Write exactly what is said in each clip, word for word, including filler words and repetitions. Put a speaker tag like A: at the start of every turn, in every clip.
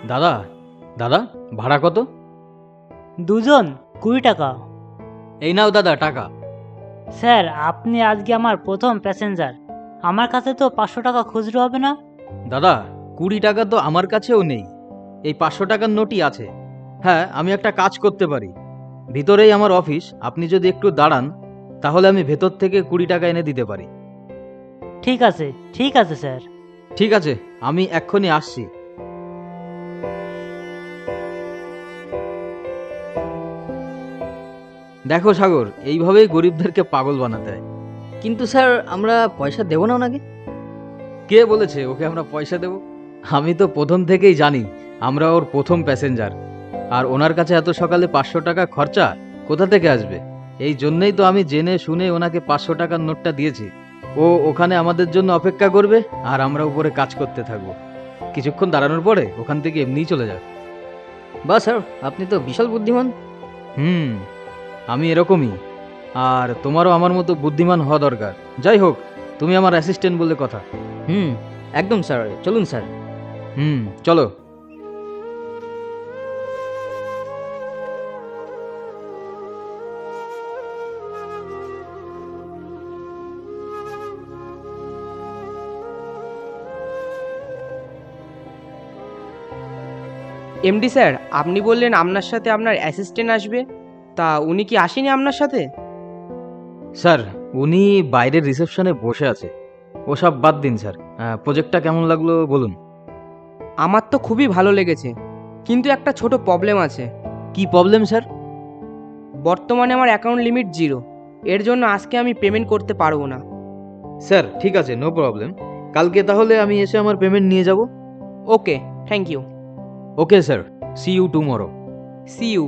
A: দাদা দাদা ভাড়া কত?
B: দুজন কুড়ি টাকা।
A: এই নাও দাদা টাকা।
B: স্যার, আপনি আজকে আমার প্রথম প্যাসেঞ্জার, আমার কাছে তো পাঁচশো টাকা খুচরো হবে না?
A: দাদা কুড়ি টাকা তো আমার কাছেও নেই, এই পাঁচশো টাকার নোটই আছে। হ্যাঁ, আমি একটা কাজ করতে পারি, ভিতরেই আমার অফিস, আপনি যদি একটু দাঁড়ান তাহলে আমি ভেতর থেকে কুড়ি টাকা এনে দিতে পারি।
B: ঠিক আছে, ঠিক আছে স্যার।
A: ঠিক আছে, আমি এক্ষুনি আসছি। দেখো সাগর, এইভাবেই গরিবদেরকে পাগল বানাতে হয়।
C: কিন্তু স্যার আমরা পয়সা দেবো না ওনাকে।
A: কে বলেছে ওকে আমরা পয়সা দেব? আমি তো প্রথম থেকেই জানি আমরা ওর প্রথম প্যাসেঞ্জার, আর ওনার কাছে এত সকালে পাঁচশো টাকা খরচা কোথা থেকে আসবে? এই জন্যই তো আমি জেনে শুনে ওনাকে পাঁচশো টাকার নোটটা দিয়েছি। ও ওখানে আমাদের জন্য অপেক্ষা করবে আর আমরা উপরে কাজ করতে থাকবো। কিছুক্ষণ দাঁড়ানোর পরে ওখান থেকে এমনিই চলে যাবে।
C: বা স্যার, আপনি তো বিশাল বুদ্ধিমান।
A: হুম, আমি এরকমই, আর তোমারও আমার মতো বুদ্ধিমান হওয়া দরকার। যাই হোক, তুমি আমার অ্যাসিস্ট্যান্ট বলে কথা।
C: হুম, একদম স্যার, চলুন স্যার।
A: হুম, চলো।
D: এমডি স্যার, আপনি বললেন আপনার সাথে আপনার অ্যাসিস্ট্যান্ট আসবে, তা উনি কি আসেনি আপনার সাথে?
A: স্যার, উনি বাইরের রিসেপশনে বসে আছে। ওসব বাদ দিন স্যার, প্রজেক্টটা কেমন লাগলো বলুন।
D: আমার তো খুবই ভালো লেগেছে, কিন্তু একটা ছোট প্রবলেম আছে।
A: কি প্রবলেম স্যার?
D: বর্তমানে আমার অ্যাকাউন্ট লিমিট জিরো, এর জন্য আজকে আমি পেমেন্ট করতে পারবো না।
A: স্যার ঠিক আছে, নো প্রবলেম, কালকে তাহলে আমি এসে আমার পেমেন্ট নিয়ে যাব।
D: Okay, thank you.
A: Okay sir, see you tomorrow.
D: See you.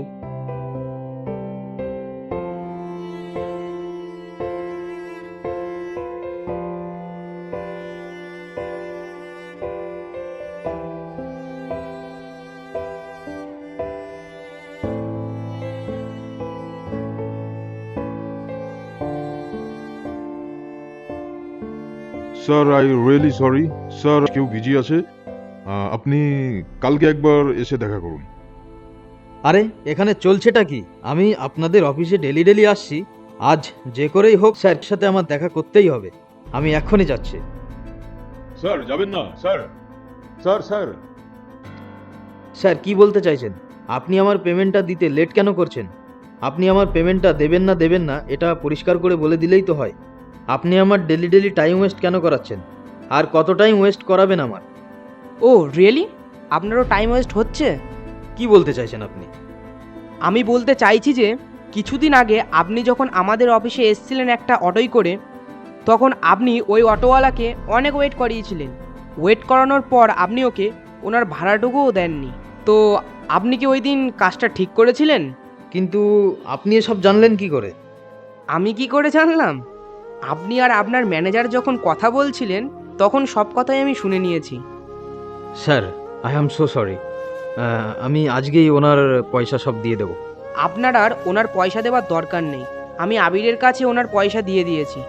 E: Sir, I really sorry sir, কেউ বিজি আছে। আহ, আপনি কালকে একবার এসে দেখা করুন।
A: আরে এখানে চলছেটা কি? আমি আপনাদের অফিসে ডেলি ডেলি আসছি, আজ যে করেই হোক স্যারের সাথে আমার দেখা করতেই হবে। আমি এখনই যাচ্ছি।
E: স্যার যাবেন না স্যার, স্যার স্যার
A: স্যার কি বলতে চাইছেন? আপনি আমার পেমেন্টটা দিতে লেট কেন করছেন? আপনি আমার পেমেন্টটা দেবেন না দেবেন না এটা পরিষ্কার করে বলে দিলেই তো হয়। আপনি আমার ডেলি ডেলি টাইম ওয়েস্ট কেন করাচ্ছেন? আর কত টাইম ওয়েস্ট করাবেন আমার?
D: Oh really? আপনারও টাইম ওয়েস্ট হচ্ছে?
A: কি বলতে চাইছেন আপনি?
D: আমি বলতে চাইছি যে কিছুদিন আগে আপনি যখন আমাদের অফিসে এসেছিলেন একটা অটোই করে, তখন আপনি ওই অটোওয়ালাকে অনেক ওয়েট করিয়েছিলেন। ওয়েট করানোর পর আপনি ওকে ওনার ভাড়াটুকুও দেননি। তো আপনি কি ওই দিন কাজটা ঠিক করেছিলেন?
A: কিন্তু আপনি এসব জানলেন কি করে?
D: আমি কি করে জানলাম? আপনি আর আপনার ম্যানেজার যখন কথা বলছিলেন তখন সব কথাই আমি শুনে নিয়েছি।
A: Sir, I am so sorry. আমি আজকেই ওনার পয়সা সব দিয়ে দেবো।
D: আপনার আর ওনার পয়সা দেওয়ার দরকার নেই, আমি আবিরের কাছে ওনার পয়সা দিয়ে দিয়েছি।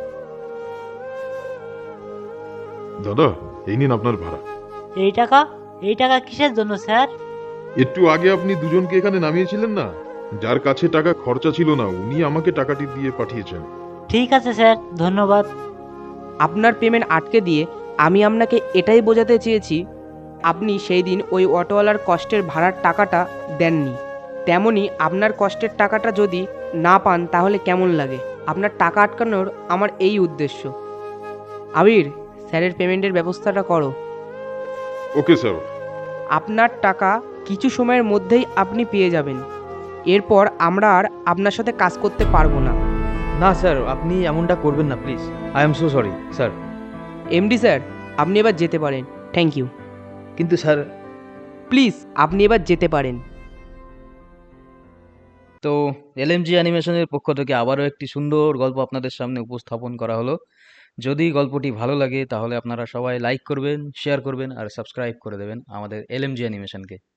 E: দাদা, এই নিন আপনার ভাড়া।
B: এই টাকা? এই টাকা কিসের জন্য স্যার?
E: একটু আগে আপনি দুজনকে এখানে নামিয়েছিলেন না, যার কাছে টাকা খরচা ছিল না উনি আমাকে টাকাটি দিয়ে পাঠিয়েছেন।
B: ঠিক আছে স্যার, ধন্যবাদ।
D: আপনার পেমেন্ট আটকে দিয়ে আমি আপনাকে এটাই বোঝাতে চেয়েছি, আপনি সেই দিন ওই অটোওয়ালার কষ্টের ভাড়ার টাকাটা দেননি। তেমনি আপনার কষ্টের টাকাটা যদি না পান তাহলে কেমন লাগে? আপনার টাকা আটকানোর আমার এই উদ্দেশ্য। আবির, স্যারের পেমেন্টের ব্যবস্থাটা করো।
E: Okay sir.
D: আপনার টাকা কিছু সময়ের মধ্যেই আপনি পেয়ে যাবেন। এরপর আমরা আর আপনার সাথে কাজ করতে পারবো না।
A: না স্যার, আপনি এমনটা করবেন না please, I am so sorry sir.
D: MD sir, আপনি এবার যেতে পারেন। Thank you.
A: কিন্তু স্যার।
D: প্লিজ আপনি এবার যেতে পারেন।
A: তো এলএমজি অ্যানিমেশনের পক্ষ থেকে আবারও একটি সুন্দর গল্প আপনাদের সামনে উপস্থাপন করা হলো। যদি গল্পটি ভালো লাগে তাহলে আপনারা সবাই লাইক করবেন, শেয়ার করবেন আর সাবস্ক্রাইব করে দেবেন আমাদের এলএমজি অ্যানিমেশনকে।